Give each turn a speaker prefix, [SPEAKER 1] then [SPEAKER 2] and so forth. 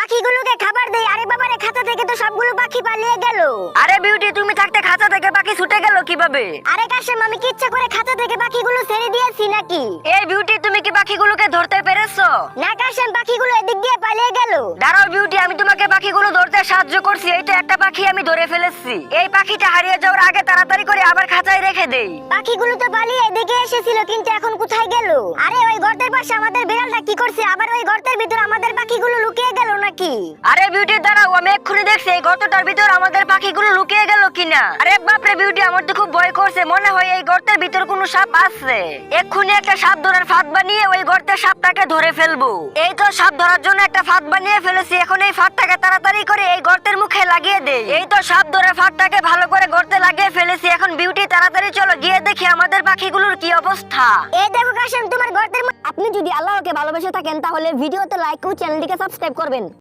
[SPEAKER 1] পাখিগুলোকে খাবার দেই। আরে বাবারে, খাঁচা থেকে তো সবগুলো পাখি পালিয়ে গেল।
[SPEAKER 2] আরে বিউটি, তুমি থাকতে খাঁচা থেকে পাখি ছুটে গেল কিভাবে?
[SPEAKER 1] আরে কাশেম, আমি কি ইচ্ছা করে খাঁচা থেকে পাখিগুলো ছেড়ে দিয়েছি নাকি?
[SPEAKER 2] এই বিউটি, তুমি কি পাখিগুলোকে ধরতে পেরেছো?
[SPEAKER 1] না কাশেম, পাখিগুলো এদিক দিয়ে পালিয়ে গেল।
[SPEAKER 2] দাঁড়াও বিউটি, আমি তোমাকে পাখিগুলো ধরতে সাহায্য করছি। এই তো একটা পাখি আমি ধরে ফেলেছি। এই পাখিটা হারিয়ে যাওয়ার আগে তাড়াতাড়ি করে আবার খাঁচায় রেখে দেই।
[SPEAKER 1] পাখিগুলো তো পালিয়ে এদিকে এসেছিল, কিন্তু এখন কোথায় গেল? আরে ওই গর্তের পাশে আমাদের বিড়ালটা কি করছে? আবার ওই গর্তের ভিতর আমাদের পাখিগুলো লুকিয়ে গেল নাকি?
[SPEAKER 2] আরে বিউটি দাঁড়াও, আমি এক্ষুনি দেখছি এই গর্তটার ভিতর আমাদের পাখিগুলো লুকিয়ে গেল কিনা। আরে বাপরে বিউটি, আমার তো খুব ভয় করছে। মনে হয় এই গর্তের ভিতর কোনো সাপ আছে। এক্ষুনি একটা সাপ ধরার ফাঁদ বানিয়ে ওই গর্তের সাপটাকে ধরে ফেলবো। এই তো সাপ ধরার জন্য একটা ফাঁদ বানিয়ে ফেলেছি। এখন এই ফাঁদটাকে তাড়াতাড়ি করে এই গর্তের মুখে লাগিয়ে দেই। এই তো সাপ ধরে ফাঁদটাকে ভালো করে গর্তে লাগিয়ে ফেলেছি। এখন বিউটি তাড়াতাড়ি চলো গিয়ে দেখি আমাদের পাখিগুলোর কি অবস্থা।
[SPEAKER 1] এই দেখো কাশেম, তোমার গর্তের আপনি যদি আল্লাহকে ভালোবেসে থাকেন তাহলে ভিডিওতে লাইক ও চ্যানেলটিকে সাবস্ক্রাইব করবেন।